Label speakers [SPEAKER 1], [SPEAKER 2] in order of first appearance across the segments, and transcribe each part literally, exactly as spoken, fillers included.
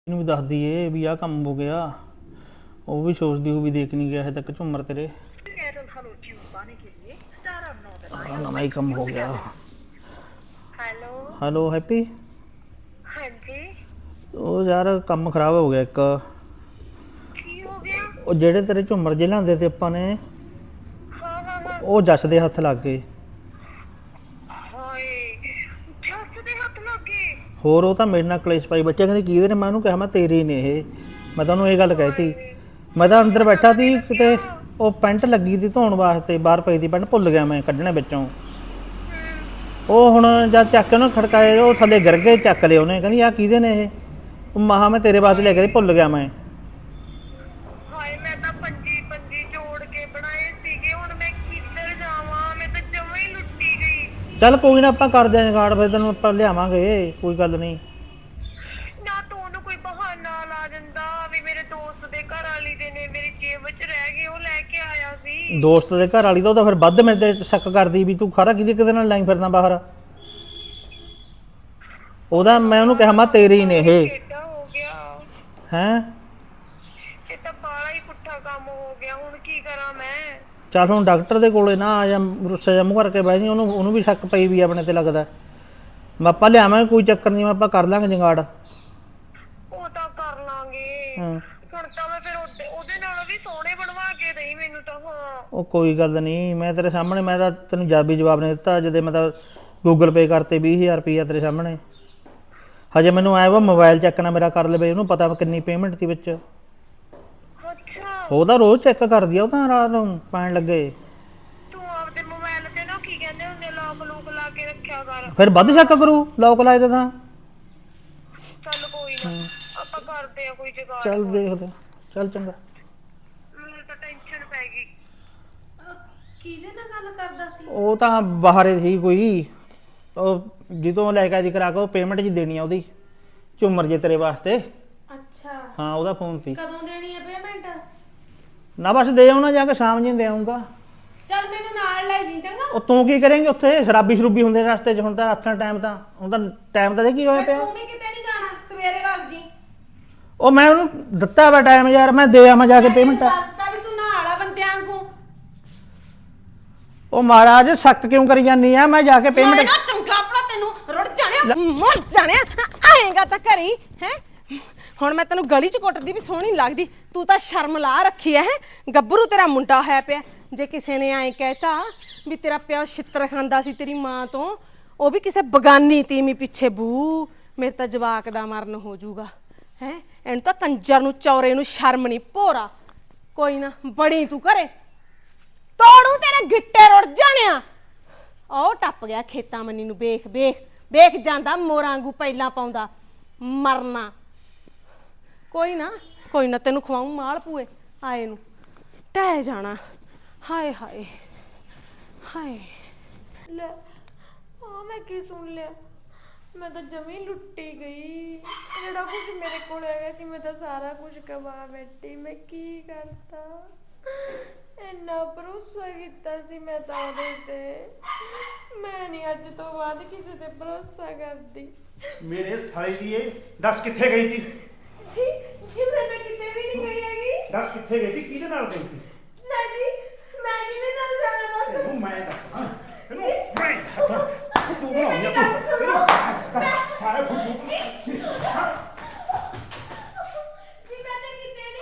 [SPEAKER 1] ਇਹਨੂੰ ਵੀ ਦੱਸਦੀ ਏ ਵੀ ਆਹ ਕੰਮ ਹੋ ਗਿਆ। ਉਹ ਵੀ ਸੋਚਦੀ ਹੋ ਵੀ ਦੇਖ ਨਹੀਂ ਗਿਆ ਹੈ ਤੱਕ ਝੁੰਮਰ ਤੇਰੇ। ਆਹ ਨਵਾਂ ਹੀ ਕੰਮ ਹੋ ਗਿਆ।
[SPEAKER 2] Hello
[SPEAKER 1] hello happy.
[SPEAKER 2] ਹਾਂਜੀ
[SPEAKER 1] ਉਹ ਯਾਰ ਕੰਮ ਖਰਾਬ ਹੋ ਗਿਆ ਇੱਕ।
[SPEAKER 2] ਕੀ ਹੋ ਗਿਆ?
[SPEAKER 1] ਉਹ ਜਿਹੜੇ ਤੇਰੇ ਝੁੰਮਰ ਜੇ ਲਿਆਂਦੇ ਤੇ ਆਪਾਂ ਨੇ
[SPEAKER 2] ਹਾਂ ਹਾਂ ਹਾਂ
[SPEAKER 1] ਉਹ ਜੱਸ ਦੇ ਹੱਥ ਲੱਗ ਗਏ।
[SPEAKER 2] ਹਾਏ ਜੱਸ ਦੇ ਹੱਥ ਲੱਗ ਗਏ।
[SPEAKER 1] ਹੋਰ ਉਹ ਤਾਂ ਮੇਰੇ ਨਾਲ ਕਲੇਸ਼ ਪਾਈ ਬੱਚੇ ਕਹਿੰਦੇ ਕਿਹਦੇ ਨੇ। ਮੈਂ ਉਹਨੂੰ ਕਿਹਾ ਮੈਂ ਤੇਰੇ ਨੇ ਇਹ। ਮੈਂ ਤੁਹਾਨੂੰ ਇਹ ਗੱਲ ਕਹਿਤੀ। ਮੈਂ ਤਾਂ ਅੰਦਰ ਬੈਠਾ ਸੀ ਕਿਤੇ ਉਹ ਪੈਂਟ ਲੱਗੀ ਸੀ ਧੋਣ ਵਾਸਤੇ ਬਾਹਰ ਪਈ ਸੀ ਪੈਂਟ ਭੁੱਲ ਗਿਆ ਮੈਂ ਕੱਢਣੇ ਵਿੱਚੋਂ। ਉਹ ਹੁਣ ਜਦ ਚੱਕ ਕੇ ਉਹਨੂੰ ਖੜਕਾਏ ਉਹ ਥੱਲੇ ਗਿਰ ਗਏ ਚੱਕ ਲਏ ਉਹਨੇ। ਕਹਿੰਦੀ ਆਹ ਕਿਹਦੇ ਨੇ ਇਹ। ਉਹ ਮਹਾ ਮੈਂ ਤੇਰੇ ਵਾਸਤੇ ਲੈ ਕੇ ਭੁੱਲ ਗਿਆ ਮੈਂ।
[SPEAKER 2] ਹਾਏ ਮੈਂ ਤਾਂ ਪੰਜੀ ਪੰਜੀ ਜੋੜ ਕੇ ਬਣਾਏ ਸੀਗੇ। ਹੁਣ ਮੈਂ ਕਿੱਧਰ ਜਾਵਾਂ? ਮੈਂ ਤਾਂ ਜਮਾਂ ਹੀ ਲੁੱਟੀ ਗਈ।
[SPEAKER 1] ਚੱਲ ਕੋਈ ਨਾ ਆਪਾਂ ਕਰਦੇ ਆਂ ਕਾਰਡ ਫਿਰ ਤੈਨੂੰ ਆਪਾਂ ਲਿਆਵਾਂਗੇ ਕੋਈ ਗੱਲ ਨਹੀਂ।
[SPEAKER 2] ਨਾ ਤੂੰ ਉਹਨੂੰ ਕੋਈ ਬਹਾਨਾ ਲਾ ਦਿੰਦਾ ਵੀ ਮੇਰੇ ਦੋਸਤ ਦੇ ਘਰ ਵਾਲੀ ਦੇ ਨੇ ਮੇਰੀ ਜੇਬ 'ਚ ਰਹਿ ਗਏ ਉਹ ਲੈ ਕੇ ਆਇਆ ਸੀ।
[SPEAKER 1] ਦੋਸਤ ਦੇ ਘਰ ਵਾਲੀ ਤਾਂ ਉਹ ਤਾਂ ਫਿਰ ਵੱਧ ਮੇਰੇ ਤੇ ਸ਼ੱਕ ਕਰਦੀ ਵੀ ਤੂੰ ਖਰਾ ਕਿਹਦੇ ਕਿਹਦੇ ਨਾਲ ਲਾਈ ਫਿਰਦਾ ਬਾਹਰ। ਉਹਦਾ ਮੈਂ ਉਹਨੂੰ ਕਿਹਾ ਮੈਂ ਤੇਰੇ ਹੀ ਨੇ ਇਹ।
[SPEAKER 2] ਕਿੱਦਾਂ ਹੋ ਗਿਆ?
[SPEAKER 1] ਹੈਂ
[SPEAKER 2] ਇਹ ਤਾਂ ਬਾਲਾ ਹੀ ਪੁੱਠਾ ਕੰਮ ਹੋ ਗਿਆ। ਹੁਣ ਕੀ ਕਰਾਂ ਮੈਂ?
[SPEAKER 1] ਚੱਲ ਹੁਣ ਡਾਕਟਰ ਦੇ ਕੋਲੇ ਨਾ ਆ ਜਾ ਰੁੱਸੇ ਜਾ ਮੂੰਹ ਕਰਕੇ ਬਹਿ ਜੀ। ਉਹਨੂੰ ਉਹਨੂੰ ਵੀ ਸ਼ੱਕ ਪਈ ਵੀ ਆਪਣੇ ਤੇ ਲੱਗਦਾ। ਮੈਂ ਆਪਾਂ ਲਿਆਵਾਂਗੇ ਕੋਈ ਚੱਕਰ ਨਹੀਂ। ਆਪਾਂ ਕਰ ਲਾਂਗੇ ਜੰਗਾੜ।
[SPEAKER 2] ਉਹ ਤਾਂ ਕਰ ਲਾਂਗੇ।
[SPEAKER 1] ਹਾਂ
[SPEAKER 2] ਹੁਣ ਤਾਂ ਮੈਂ ਫਿਰ ਉਹਦੇ ਉਹਦੇ ਨਾਲੋਂ ਵੀ ਸੋਹਣੇ ਬਣਵਾ ਕੇ ਦੇਈ ਮੈਨੂੰ ਤਾਂ। ਹਾਂ
[SPEAKER 1] ਉਹ ਕੋਈ ਗੱਲ ਨਹੀਂ। ਮੈਂ ਤੇਰੇ ਸਾਹਮਣੇ ਮੈਂ ਤਾਂ ਤੈਨੂੰ ਜਦ ਵੀ ਜਵਾਬ ਨਹੀਂ ਦਿੱਤਾ ਜਦੇ ਮੈਂ ਤਾਂ ਗੂਗਲ ਪੇ ਕਰਤੇ ਵੀਹ ਹਜ਼ਾਰ ਰੁਪਈਆ ਤੇਰੇ ਸਾਹਮਣੇ। ਹਜੇ ਮੈਨੂੰ ਆਇਆ ਵਾ ਮੋਬਾਈਲ ਚੈੱਕ ਨਾ ਮੇਰਾ ਕਰ ਲਵੇ। ਉਹਨੂੰ ਪਤਾ ਕਿੰਨੀ ਪੇਮੈਂਟ ਸੀ ਵਿੱਚ।
[SPEAKER 2] ਅੱਛਾ
[SPEAKER 1] ਉਹ ਤਾਂ ਰੋਜ਼ ਚੈੱਕ ਕਰਦੀ ਆ। ਉਹ ਤਾਂ ਰਾਤ ਨੂੰ ਪੈਣ ਲੱਗੇ।
[SPEAKER 2] ਤੂੰ ਆਪਦੇ ਮੋਬਾਈਲ ਤੇ ਨਾ ਕੀ ਕਹਿੰਦੇ ਹੁੰਦੇ ਲੋਕ ਲੂਕ ਲਾ ਕੇ ਰੱਖਿਆ ਕਰ।
[SPEAKER 1] ਫਿਰ ਵੱਧ ਸ਼ੱਕ ਕਰੂ ਲੋਕ ਲਾਏ ਤਾਂ।
[SPEAKER 2] ਚੱਲ ਕੋਈ ਨਾ ਆਪਾਂ ਕਰਦੇ ਆ ਕੋਈ ਜੁਗਾੜ।
[SPEAKER 1] ਚੱਲ ਦੇਖਦੇ ਚੱਲ ਚੰਗਾ।
[SPEAKER 2] ਮੈਨੂੰ ਤਾਂ ਟੈਨਸ਼ਨ ਪੈ ਗਈ।
[SPEAKER 3] ਕਿਹਦੇ ਨਾਲ ਗੱਲ ਕਰਦਾ ਸੀ?
[SPEAKER 1] ਉਹ ਤਾਂ ਬਾਹਰ ਸੀ ਕੋਈ। ਉਹ ਜਦੋਂ ਲੈ ਕੇ ਆਈ ਕਰਾ ਕੇ ਉਹ ਪੇਮੈਂਟ ਜੀ ਦੇਣੀ ਆ ਉਹਦੀ ਝੁੰਮਰ ਜੇ ਤੇਰੇ ਵਾਸਤੇ।
[SPEAKER 3] ਅੱਛਾ
[SPEAKER 1] ਹਾਂ ਉਹਦਾ ਫੋਨ ਸੀ।
[SPEAKER 3] ਕਦੋਂ ਦੇਣੀ ਹੈ ਪੇਮੈਂਟ?
[SPEAKER 1] ਨਾ ਬਸ ਦੇ ਆਉਣਾ ਜਾ ਕੇ ਸ਼ਾਮ ਜੀ ਦੇ ਆਉਂਗਾ।
[SPEAKER 3] ਚੱਲ ਮੈਨੂੰ ਨਾਲ ਲੈ ਜੀ ਚੰਗਾ।
[SPEAKER 1] ਉਹ ਤੂੰ ਕੀ ਕਰੇਂਗੀ ਉੱਥੇ ਸ਼ਰਾਬੀ ਸ਼ਰੂਬੀ ਹੁੰਦੇ ਰਸਤੇ 'ਚ। ਹੁਣ ਤਾਂ ਹੱਥਾਂ ਟਾਈਮ ਤਾਂ ਹੁਣ ਤਾਂ ਟਾਈਮ ਤਾਂ ਦੇ ਕੀ ਹੋਇਆ ਪਿਆ।
[SPEAKER 3] ਤੂੰ ਵੀ ਕਿਤੇ ਨਹੀਂ ਜਾਣਾ ਸਵੇਰੇ ਵਗ ਜੀ।
[SPEAKER 1] ਉਹ ਮੈਂ ਉਹਨੂੰ ਦਿੱਤਾ ਵਾ ਟਾਈਮ ਯਾਰ। ਮੈਂ ਦੇ ਆਵਾਂ ਜਾ ਕੇ ਪੇਮੈਂਟ।
[SPEAKER 3] ਦੱਸਦਾ ਵੀ ਤੂੰ ਨਾਲ ਆ ਬੰਦਿਆਂ ਵਾਂਗੂ।
[SPEAKER 1] ਉਹ ਮਹਾਰਾਜ ਸ਼ੱਕ ਕਿਉਂ ਕਰੀ ਜਾਂਦੀ ਆ। ਮੈਂ ਜਾ ਕੇ
[SPEAKER 3] ਮੈਂ
[SPEAKER 1] ਪੇਮੈਂਟ
[SPEAKER 3] ਨਾ ਚੰਗਾ ਭਲਾ ਤੈਨੂੰ ਰੁੜ ਜਾਣਿਆ ਮਰ ਜਾਣਿਆ ਆਏਗਾ ਤਾਂ ਘਰੀ ਹੈ। ਹੁਣ ਮੈਂ ਤੈਨੂੰ ਗਲੀ 'ਚ ਕੁੱਟਦੀ ਵੀ ਸੋਹਣੀ ਲੱਗਦੀ। ਤੂੰ ਤਾਂ ਸ਼ਰਮ ਲਾ ਰੱਖੀ ਐ। ਗੱਭਰੂ ਤੇਰਾ ਮੁੰਡਾ ਹੋਇਆ ਪਿਆ। ਜੇ ਕਿਸੇ ਨੇ ਐਂ ਕਹਿਤਾ ਵੀ ਤੇਰਾ ਪਿਓ ਛਿੱਤਰ ਖਾਂਦਾ ਸੀ ਤੇਰੀ ਮਾਂ ਤੋਂ ਉਹ ਵੀ ਕਿਸੇ ਬਗਾਨੀ ਤੀਵੀਂ ਪਿੱਛੇ ਬੂ ਮੇਰੇ ਤਾਂ ਜਵਾਕ ਦਾ ਮਰਨ ਹੋ ਜਾਊਗਾ ਹੈ। ਇਹਨੂੰ ਤਾਂ ਕੰਜਰ ਨੂੰ ਚੌਰੇ ਨੂੰ ਸ਼ਰਮ ਨਹੀਂ ਭੋਰਾ। ਕੋਈ ਨਾ ਬੜੀ ਤੂੰ ਘਰੇ ਤੋੜੂ ਤੇਰੇ ਗਿੱਟੇ ਰੁੜ ਜਾਣਿਆ। ਉਹ ਟੱਪ ਗਿਆ ਖੇਤਾਂ ਮੰਨੀ ਨੂੰ। ਵੇਖ ਵੇਖ ਵੇਖ ਜਾਂਦਾ ਮੋਰਾਂ ਵਾਂਗੂ ਪਹਿਲਾਂ ਪਾਉਂਦਾ ਮਰਨਾ। ਕੋਈ ਨਾ ਕੋਈ ਨਾ ਤੈਨੂੰ ਖਵਾਉਂ ਮਾਲ ਪੂਏ ਆਏ ਨੂੰ ਟਹਿ ਜਾਣਾ। ਹਾਏ ਹਾਏ ਹਾਏ
[SPEAKER 4] ਲੈ ਆ ਮੈਂ ਕੀ ਸੁਣ ਲਿਆ? ਮੈਂ ਤਾਂ ਜਮੀ ਲੁੱਟੀ ਗਈ। ਜਿਹੜਾ ਕੁਝ ਮੇਰੇ ਕੋਲ ਹੈਗਾ ਸੀ ਮੈਂ ਤਾਂ ਸਾਰਾ ਕੁਝ ਗਵਾ ਬੈਠੀ। ਮੈਂ ਕੀ ਕਰਤਾ? ਇੰਨਾ ਭਰੋਸਾ ਕੀਤਾ ਸੀ ਮੈਂ ਤਾਂ ਉਹਦੇ ਤੇ। ਮੈਂ ਨਹੀਂ ਅੱਜ ਤੋਂ ਬਾਅਦ ਕਿਸੇ ਤੇ ਭਰੋਸਾ ਕਰਦੀ।
[SPEAKER 5] ਮੇਰੇ ਸਾਲੇ ਦੀ ਇਹ ਦੱਸ ਕਿੱਥੇ ਗਈ ਸੀ?
[SPEAKER 4] ਜੀ ਜੀ ਮੈਂ ਤਾਂ ਕਿਤੇ ਵੀ ਨਹੀਂ ਗਈ ਹੈਗੀ।
[SPEAKER 5] ਦੱਸ ਕਿੱਥੇ ਗਈ ਸੀ? ਕਿਹਦੇ ਨਾਲ ਗਈ ਸੀ?
[SPEAKER 4] ਨਾ ਜੀ ਮੈਂ ਕਿਹਦੇ ਨਾਲ ਜਾਣਾ ਦੱਸ।
[SPEAKER 5] ਇਹਨੂੰ ਮੈਂ ਦੱਸਾਂ। ਇਹਨੂੰ ਮੈਂ ਦੱਸਾਂ। ਤੂੰ
[SPEAKER 4] ਜੀ ਮੇਰੀ ਗੱਲ ਸੁਣੋ।
[SPEAKER 5] ਸਾਰੇ ਫੁੱਟੂ
[SPEAKER 4] ਜੀ ਜੀ ਮੈਂ ਤਾਂ ਕਿਤੇ ਨਹੀਂ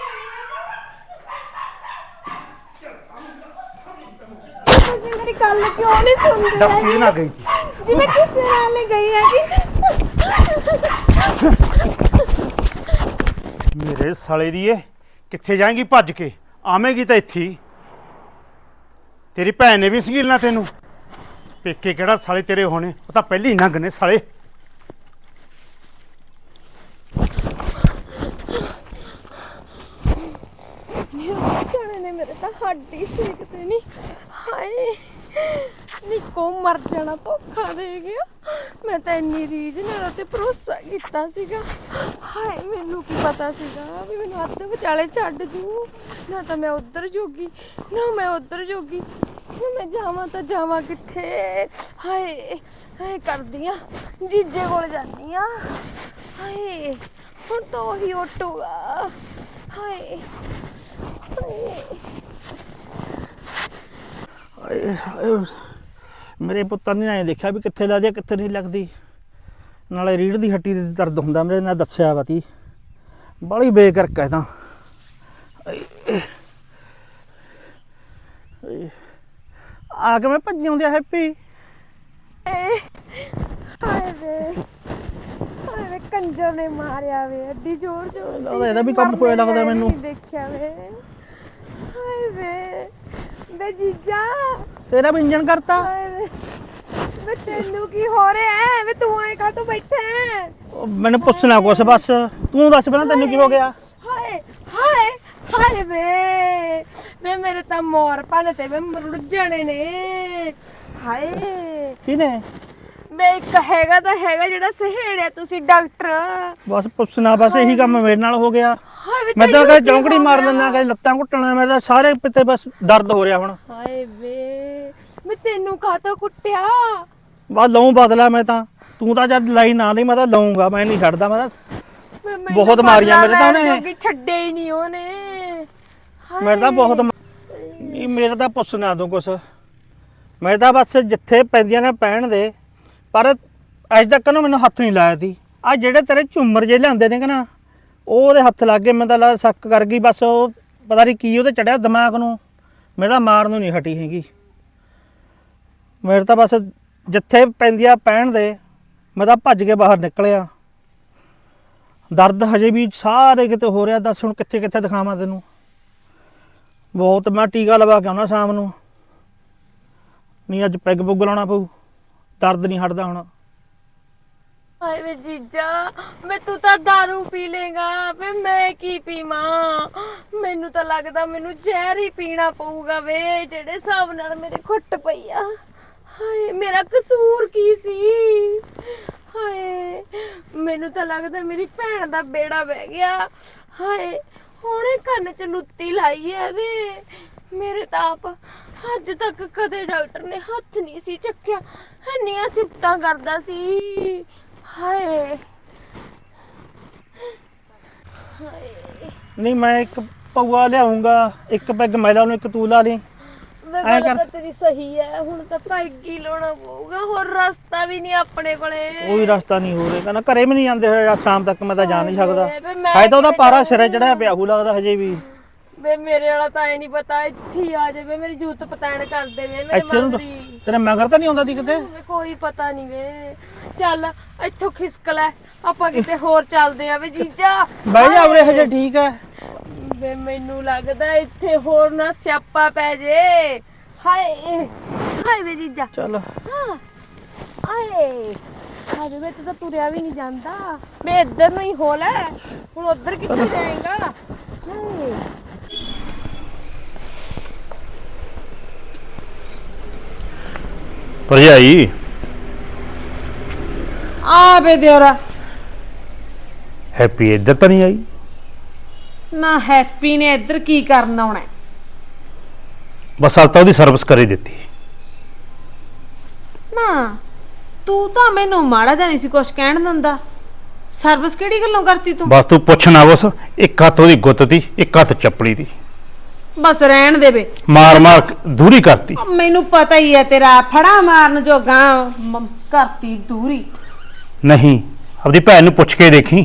[SPEAKER 4] ਗਈ। ਤੁਸੀਂ ਮੇਰੀ ਗੱਲ ਕਿਉਂ ਨਹੀਂ ਸੁਣਦੇ?
[SPEAKER 5] ਦੱਸ ਕਿਹਦੇ ਨਾਲ ਗਈ ਸੀ?
[SPEAKER 4] ਜੀ ਮੈਂ ਕਿਸੇ ਨਾਲ ਨਹੀਂ ਗਈ ਹੈਗੀ।
[SPEAKER 5] ਮੇਰੇ ਸਾਲੇ ਦੀ ਇਹ ਕਿੱਥੇ ਜਾਏਂਗੀ ਭੱਜ ਕੇ? ਆਵੇਂਗੀ ਤਾਂ ਇੱਥੇ ਹੀ। ਤੇਰੀ ਭੈਣ ਨੇ ਵੀ ਸੰਗੀਲਣਾ ਤੈਨੂੰ। ਪੇਕੇ ਕਿਹੜਾ ਸਾਲੇ ਤੇਰੇ ਹੋਣੇ। ਉਹ ਤਾਂ ਪਹਿਲੇ ਹੀ ਨੰਗ ਨੇ ਸਾਲੇ।
[SPEAKER 4] ਜਾਣੇ ਨੇ ਮੇਰੇ ਤਾਂ ਹੱਡ ਹੀ ਸੇਕਦੇ ਨਹੀਂ। ਹਾਏ ਨਿੱਕੋ ਮਰ ਜਾਣਾ ਧੋਖਾ ਦੇ ਗਿਆ। ਮੈਂ ਤਾਂ ਇੰਨੀ ਰੀਝ ਨਾਲ ਉਹ ਤੇ ਭਰੋਸਾ ਕੀਤਾ ਸੀਗਾ। ਹਾਏ ਮੈਨੂੰ ਕੀ ਪਤਾ ਸੀਗਾ ਵੀ ਮੈਨੂੰ ਅੱਧ ਵਿਚਾਲੇ ਛੱਡ ਜੂ। ਨਾ ਤਾਂ ਮੈਂ ਉੱਧਰ ਜੋਗੀ ਨਾ ਮੈਂ ਉੱਧਰ ਜੋਗੀ। ਮੈਂ ਜਾਵਾਂ ਤਾਂ ਜਾਵਾਂ ਕਿੱਥੇ? ਹਾਏ ਹਾਏ ਕਰਦੀ ਆ ਜੀਜੇ ਕੋਲ ਜਾਂਦੀ ਆ। ਹਾਏ ਹੁਣ ਤਾਂ ਉਹੀ ਉੱਟੂਗਾ। ਹਾਏ ਹਾਏ
[SPEAKER 1] ਆਏ ਹਾਏ। ਮੇਰੇ ਪੁੱਤਰ ਨੇ ਐਂ ਦੇਖਿਆ ਵੀ ਕਿੱਥੇ ਲੱਗਦੀ ਆ ਕਿੱਥੇ ਨਹੀਂ ਲੱਗਦੀ। ਨਾਲੇ ਰੀੜ੍ਹ ਦੀ ਹੱਡੀ ਦੇ ਦਰਦ ਹੁੰਦਾ ਮੇਰੇ ਨਾਲ ਦੱਸਿਆ ਵਾ ਤੀ। ਬਾਹਲੀ ਬੇਕਰਕ ਹੈ ਤਾਂ। ਆਏ, ਆਏ। ਆ ਕੇ ਮੈਂ ਭੱਜੀ ਆਉਂਦੀ ਆ ਹੈਪੀ।
[SPEAKER 4] ਹਾਏ ਵੇ ਹਾਏ ਵੇ ਕੰਜਰ ਨੇ ਮਾਰਿਆ ਵੇ ਐਡੀ ਜ਼ੋਰ ਜ਼ੋਰ ਦੀ।
[SPEAKER 1] ਲੱਗਦਾ ਇਹਦਾ ਵੀ ਕੰਮ ਹੋਇਆ ਲੱਗਦਾ ਮੈਨੂੰ।
[SPEAKER 4] ਨਹੀਂ ਦੇਖਿਆ ਵੇ। ਹਾਏ ਵੇ ਵੇ ਜੀਜਾ
[SPEAKER 1] ਤੇਰਾ ਵੀ ਇੰਜਣ ਕਰਤਾ।
[SPEAKER 4] ਹਾਏ ਵੇ ਵੇ ਤੈਨੂੰ ਕੀ ਹੋ ਰਿਹਾ ਹੈ ਵੇ ਤੂੰ ਐਂ ਕਾਹਤੋਂ ਬੈਠਾ ਹੈ?
[SPEAKER 1] ਉਹ ਮੈਨੂੰ ਪੁੱਛਣਾ ਕੁਛ ਬਸ। ਤੂੰ ਦੱਸ ਪਹਿਲਾਂ ਤੈਨੂੰ ਕੀ ਹੋ ਗਿਆ?
[SPEAKER 4] ਹਾਏ ਹਾਏ ਹਾਏ ਵੇ ਵੇ ਮੇਰੇ ਤਾਂ ਮੋਰ ਭੰਨ ਤੇ ਵੇ ਮਰੁੜ ਜਾਣੇ ਨੇ। ਹਾਏ
[SPEAKER 1] ਕਿਹਨੇ?
[SPEAKER 4] ਵੇ ਇੱਕ ਹੈਗਾ ਤਾਂ ਹੈਗਾ ਜਿਹੜਾ ਸਹੇੜਿਆ ਤੁਸੀਂ ਡਾਕਟਰ।
[SPEAKER 1] ਬਸ ਪੁੱਛਣਾ ਬਸ ਇਹੀ ਕੰਮ ਮੇਰੇ ਨਾਲ ਹੋ ਗਿਆ।
[SPEAKER 4] ਹਾਏ ਵੇ
[SPEAKER 1] ਮੈਂ ਤਾਂ
[SPEAKER 4] ਤੈਨੂੰ
[SPEAKER 1] ਕਦੇ
[SPEAKER 4] ਕੀ
[SPEAKER 1] ਚੌਂਕੜੀ
[SPEAKER 4] ਹੋ
[SPEAKER 1] ਮਾਰ
[SPEAKER 4] ਗਿਆ?
[SPEAKER 1] ਦਿੰਦਾ ਕਦੇ ਲੱਤਾਂ ਘੁੱਟਣਾ ਮੈਂ ਤਾਂ ਸਾਰੇ ਪਿੱਤੇ ਬਸ ਦਰਦ ਹੋ ਰਿਹਾ ਹੁਣ।
[SPEAKER 4] ਹਾਏ ਵੇ ਮੈਂ ਤੈਨੂੰ ਕਾਹਤੋਂ ਕੁੱਟਿਆ?
[SPEAKER 1] ਬਸ ਲਊਂ ਬਦਲਾ ਮੈਂ ਤਾਂ। ਤੂੰ ਤਾਂ ਜਦ ਲਾਈ ਨਾ ਲਈ ਮੈਂ ਤਾਂ ਲਊਂਗਾ ਮੈਂ ਨਹੀਂ ਛੱਡਦਾ ਮੈਂ ਤਾਂ।
[SPEAKER 4] ਮੈਂ- ਮੈਨੂੰ
[SPEAKER 1] ਬਹੁਤ ਮਾਰੀਆਂ ਮੇਰੇ ਤਾਂ
[SPEAKER 4] ਬਦਲਾ ਲੈਣ
[SPEAKER 1] ਉਹਨੇ।
[SPEAKER 4] ਜੋਗੀ ਛੱਡੇ ਹੀ ਨਹੀਂ ਉਹਨੇ।
[SPEAKER 1] ਮੇਰੇ ਤਾਂ ਬਹੁਤ ਮਾ- ਨਹੀਂ ਮੇਰੇ ਤਾਂ ਪੁੱਛਣਾ ਤੂੰ ਕੁਛ। ਮੈਂ ਤਾਂ ਬਸ ਜਿੱਥੇ ਪੈਂਦੀਆਂ ਨੇ ਪੈਣ ਦੇ। ਪਰ ਅੱਜ ਤੱਕ ਨਾ ਮੈਨੂੰ ਹੱਥ ਨਹੀਂ ਲਾਇਆ ਤੀ। ਆ ਜਿਹੜੇ ਤੇਰੇ ਝੂਮਰ ਜੇ ਲਿਆਂਦੇ ਨੇ ਕਿ ਨਾ ਉਹ ਉਹਦੇ ਹੱਥ ਲੱਗ ਗਏ। ਮੈਂ ਤਾਂ ਲਾ ਸ਼ੱਕ ਕਰ ਗਈ ਬਸ। ਉਹ ਪਤਾ ਨਹੀਂ ਕੀ ਉਹਦੇ ਚੜਿਆ ਦਿਮਾਗ ਨੂੰ। ਮੈਂ ਤਾਂ ਮਾਰਨ ਨੂੰ ਨਹੀਂ ਹਟੀ ਹੈਗੀ। ਮੇਰੇ ਤਾਂ ਬਸ ਜਿੱਥੇ ਪੈਂਦੀਆਂ ਪੈਣ ਦੇ ਮੈਂ ਤਾਂ ਭੱਜ ਕੇ ਬਾਹਰ ਨਿਕਲਿਆ। ਦਰਦ ਹਜੇ ਵੀ ਸਾਰੇ ਕਿਤੇ ਹੋ ਰਿਹਾ। ਦੱਸ ਹੁਣ ਕਿੱਥੇ ਕਿੱਥੇ ਦਿਖਾਵਾਂ ਤੈਨੂੰ? ਬਹੁਤ ਮੈਂ ਟੀਕਾ ਲਵਾ ਕੇ ਆਉਣਾ ਸ਼ਾਮ ਨੂੰ। ਨਹੀਂ ਅੱਜ ਪੈਗ ਪੁੱਗ ਲਾਉਣਾ ਪਊ। ਦਰਦ ਨਹੀਂ ਹਟਦਾ ਹੁਣ।
[SPEAKER 4] ਹਾਏ ਵੇ ਜੀਜਾ ਮੈਂ ਤੂੰ ਤਾਂ ਦਾਰੂ ਪੀ ਲੇਗਾ ਵੇ ਮੈਂ ਕੀ ਪੀਵਾਂ? ਮੈਨੂੰ ਤਾਂ ਲੱਗਦਾ ਮੈਨੂੰ ਜ਼ਹਿਰ ਹੀ ਪੀਣਾ ਪਊਗਾ ਵੇ ਜਿਹੜੇ ਹਿਸਾਬ ਨਾਲ ਮੇਰੇ ਘੁੱਟ ਪਈ ਆ। ਹਾਏ ਮੇਰਾ ਕਸੂਰ ਕੀ ਸੀ? ਹਾਏ ਮੈਨੂੰ ਤਾਂ ਲੱਗਦਾ ਮੇਰੀ ਭੈਣ ਦਾ ਬੇੜਾ ਬਹਿ ਗਿਆ। ਹਾਏ ਹੁਣੇ ਕੰਨ 'ਚ ਲੁੱਤੀ ਲਾਈ ਐ ਵੇ। ਮੇਰੇ ਤਾਂ ਆਪ ਅੱਜ ਤੱਕ ਕਦੇ ਡਾਕਟਰ ਨੇ ਹੱਥ ਨਹੀਂ ਸੀ ਚੱਕਿਆ। ਇੰਨੀਆਂ ਸਿਫਤਾਂ ਕਰਦਾ ਸੀ। ਹਾਏ ਹਾਏ
[SPEAKER 1] ਨਹੀਂ ਮੈਂ ਇੱਕ ਪਊਆ ਲਿਆਉਂਗਾ। ਇੱਕ ਪੈਗ ਮੈਂ ਲਾ ਲੂੰ ਇੱਕ ਤੂੰ ਲਾ ਲਈ।
[SPEAKER 4] ਵੇ
[SPEAKER 1] ਐਂ
[SPEAKER 4] ਗੱਲ
[SPEAKER 1] ਕਰ।
[SPEAKER 4] ਤਾਂ ਤੇਰੀ ਸਹੀ ਹੈ। ਹੁਣ ਤਾਂ ਪੈਗ ਹੀ ਲਾਉਣਾ ਪਊਗਾ। ਹੋਰ ਰਸਤਾ ਵੀ ਨਹੀਂ ਆਪਣੇ ਕੋਲੇ।
[SPEAKER 1] ਕੋਈ ਰਸਤਾ ਨਹੀਂ ਹੋ ਰਿਹਾ। ਕਹਿੰਦਾ ਘਰੇ ਵੀ ਨਹੀਂ ਜਾਂਦੇ ਹੋਏ ਅੱਜ ਸ਼ਾਮ ਤੱਕ ਮੈਂ ਤਾਂ ਜਾ ਨਹੀਂ ਸਕਦਾ।
[SPEAKER 4] ਹਾਏ ਵੇ ਮੈਂ
[SPEAKER 1] ਹੈ ਤਾਂ ਉਹਦਾ
[SPEAKER 4] ਕਿਵੇਂ
[SPEAKER 1] ਪਾਰਾ
[SPEAKER 4] ਜਾਊਂ?
[SPEAKER 1] ਸਿਰੇ ਚੜਿਆ ਪਿਆ ਹੂ ਲੱਗਦਾ ਹਜੇ ਵੀ।
[SPEAKER 4] ਵੇ ਮੇਰੇ ਵਾਲਾ ਤਾਂ ਐ ਨਹੀਂ ਪਤਾ ਇੱਥੇ ਹੀ ਆ ਜਾਵੇ ਮੇਰੀ ਜੂਤ ਪਤੈਣ ਕਰ ਦੇਵੇ ਮੇਰੇ
[SPEAKER 1] ਇੱਥੇ ਨੂੰ
[SPEAKER 4] ਮੰਗਰੀ।
[SPEAKER 1] ਤੇਰੇ ਮਗਰ ਤਾਂ ਨਹੀਂ ਆਉਂਦਾ ਦੀ ਕਿਤੇ?
[SPEAKER 4] ਵੇ ਕੋਈ ਪਤਾ ਨਹੀਂ ਵੇ। ਚੱਲ ਇੱਥੋਂ ਖਿਸਕ ਲੈ ਆਪਾਂ ਕਿਤੇ ਹੋਰ ਚੱਲਦੇ ਆ ਵੇ ਜੀਜਾ।
[SPEAKER 1] ਬਹਿ ਜਾ ਉਰੇ ਹਜੇ ਠੀਕ ਹੈ।
[SPEAKER 4] ਵੇ ਮੈਨੂੰ ਲੱਗਦਾ ਇੱਥੇ ਹੋਰ ਨਾ ਸਿਆਪਾ ਪੈ ਜੇ। ਹਾਏ ਹਾਏ ਵੇ ਜੀਜਾ।
[SPEAKER 1] ਚੱਲ
[SPEAKER 4] ਹਾਂ ਆਏ ਹਾਏ ਵੇ ਤੂੰ ਤਾਂ ਤੁਰਿਆ ਵੀ ਨਹੀਂ ਜਾਂਦਾ। ਮੈਂ ਇੱਧਰ ਨੂੰ ਹੀ ਹੋ ਲੈ। ਹੁਣ ਉੱਧਰ ਕਿੱਥੇ ਜਾਏਗਾ? ਹਾਏ
[SPEAKER 5] ਭਰਜਾਈ
[SPEAKER 3] ਆ ਬੇ ਦਿਓਰਾ
[SPEAKER 5] ਹੈਪੀ ਇੱਧਰ ਤਾਂ ਨਹੀਂ ਆਈ?
[SPEAKER 3] ਨਾ ਹੈਪੀ ਨੇ ਇੱਧਰ ਕੀ ਕਰਨ ਆਉਣਾ ਹੈ?
[SPEAKER 5] ਬਸ ਅੱਜ ਤਾਂ ਉਹਦੀ ਸਰਵਿਸ ਕਰੀ ਦਿੱਤੀ।
[SPEAKER 3] ਨਾ ਤੂੰ ਤਾਂ ਮੈਨੂੰ ਮਾੜਾ ਜਿਹਾ ਨਹੀਂ ਸੀ ਕੁਛ ਕਹਿਣ ਦਿੰਦਾ। ਸਰਵਿਸ ਕਿਹੜੀ ਗੱਲੋਂ ਕਰਤੀ ਤੂੰ?
[SPEAKER 5] ਬਸ ਤੂੰ ਪੁੱਛ ਨਾ ਬਸ। ਇੱਕ ਹੱਥ ਉਹਦੀ ਗੁੱਤ ਦੀ ਇੱਕ ਹੱਥ ਚੱਪਲੀ ਦੀ।
[SPEAKER 3] ਬਸ ਰਹਿਣ ਦੇ ਬੇ।
[SPEAKER 5] ਮਾਰ ਮਾਰ ਕੇ ਦੂਰੀ ਕਰਤੀ।
[SPEAKER 3] ਮੈਨੂੰ ਪਤਾ ਹੀ ਹੈ ਤੇਰਾ ਫੜਾ ਮਾਰਨ ਜੋਗਾ ਮ- ਕਰਤੀ ਦੂਰੀ।
[SPEAKER 5] ਨਹੀਂ ਆਪਣੀ ਭੈਣ ਨੂੰ ਪੁੱਛ ਕੇ ਦੇਖੀ।